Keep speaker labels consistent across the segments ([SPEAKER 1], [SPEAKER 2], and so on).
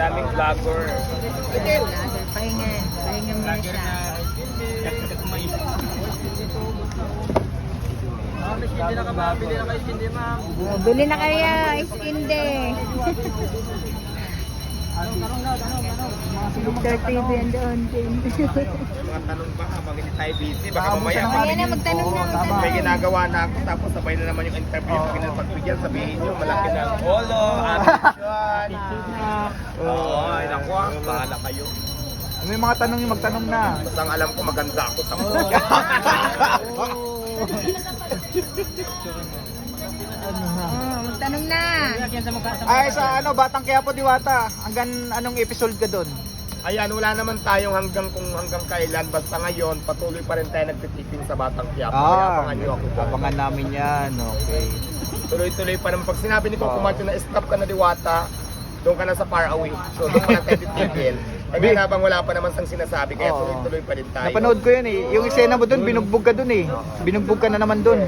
[SPEAKER 1] daming vlogger.
[SPEAKER 2] Pahingan. Pahingan muna siya.
[SPEAKER 1] Hindi na ka ba? Bili na kayo hindi, ma'am.
[SPEAKER 2] Oh, bili na kayo, iskinde. Victor TV and doon.
[SPEAKER 1] Mga tanong ba habang hindi tayo busy? Baka mamaya
[SPEAKER 2] Mamaya na, magtanong na.
[SPEAKER 1] may ginagawa na ako tapos sabay na naman yung interview. Pag napagbigyan, sabihin nyo, malaki na ang holo, attitude. Oo, ay naku, bahala kayo.
[SPEAKER 3] May mga tanong yung magtanong na.
[SPEAKER 1] Basta ang alam ko maganda ako sa mga.
[SPEAKER 2] Magtanong na.
[SPEAKER 3] Ay, sa ano, Batang Quiapo, Diwata. Hanggang anong episode ka doon?
[SPEAKER 1] Ayan, wala naman tayong hanggang kailan. Basta ngayon, patuloy pa rin tayo nagtitipin sa Batang Quiapo. Kaya abangan nyo ako dyan.
[SPEAKER 3] abangan namin yan. Okay.
[SPEAKER 1] Tuloy-tuloy pa naman. Pag sinabi ni Coco Martin na stop ka na Diwata, doon ka na sa far away. So doon ka na tayo titigil. Eh ngayon habang wala pa naman sang sinasabi, kaya tuloy-tuloy pa rin tayo.
[SPEAKER 3] Napanood ko yun eh. Yung eksena mo doon, binugbog ka doon eh. Binugbog ka na naman doon.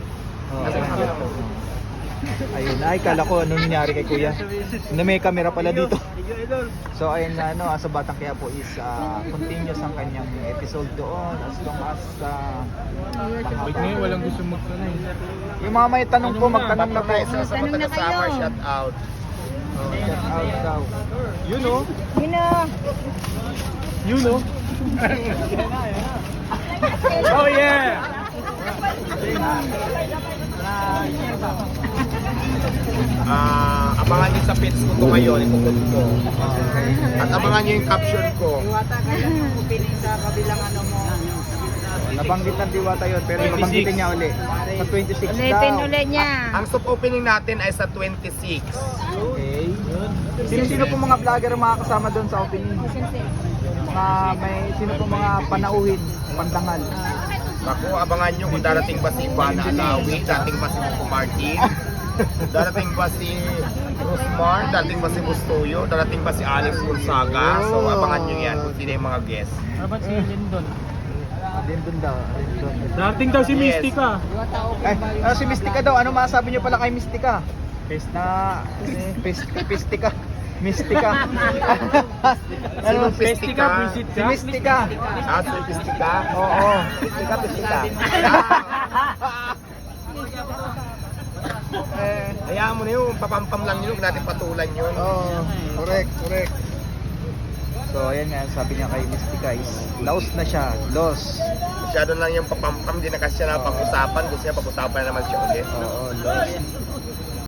[SPEAKER 3] Ayun, ay kala ko ano nangyari kay Kuya. Na may camera pala dito. So ayun na ano, sa Batang Quiapo is continuous ang kanyang episode doon as long as
[SPEAKER 4] Walang gusto magtanong.
[SPEAKER 3] yung mga may tanong po, magtanong na po.
[SPEAKER 1] Sa mga taga-summer, shout out.
[SPEAKER 3] Shout out daw. Yun oh.
[SPEAKER 2] Yun o.
[SPEAKER 3] Yun oh.
[SPEAKER 4] Oh yeah!
[SPEAKER 1] Abangan nyo sa page ko ito ngayon, ipuput ko. At abangan nyo yung caption ko.
[SPEAKER 3] Nabanggit ng Diwata yun, pero nabanggitin niya uli. Sa 26
[SPEAKER 2] Ulitin
[SPEAKER 3] daw.
[SPEAKER 2] ulit niya.
[SPEAKER 1] Ang soft opening natin ay sa 26.
[SPEAKER 3] Okay. Sino-sino po mga vlogger ang makakasama doon sa opening? Sino po mga panauhin, pandangal?
[SPEAKER 1] Ako, abangan nyo kung darating ba si Ivana Alawi, darating ba si Coco Martin, darating ba si Rosmar, darating ba si Bustoyo, darating ba si Alex Gonzaga. So abangan nyo yan kung sino yung mga guest.
[SPEAKER 4] Dapat si Lindon.
[SPEAKER 3] Lindon daw. Lindon.
[SPEAKER 4] Dating daw si
[SPEAKER 1] Yes.
[SPEAKER 4] Mystica.
[SPEAKER 3] Ay, si Mystica daw. Ano masasabi niyo pala kay Mystica? Pistika. Mystica.
[SPEAKER 1] Sino
[SPEAKER 3] Si
[SPEAKER 1] Pistika?
[SPEAKER 3] Mystica.
[SPEAKER 1] Si Pistika?
[SPEAKER 3] Oo. Pistika.
[SPEAKER 1] Hayaan mo na yun, papampam lang yun, huwag natin patulan yun.
[SPEAKER 3] Correct. So, ayan nga, sabi niya kay Mystica is lost na siya. Lost.
[SPEAKER 1] Masyado lang yung papampam, di na kasi siya na pag-usapan, gusto niya pag-usapan na naman siya ulit.
[SPEAKER 3] Oo, lost.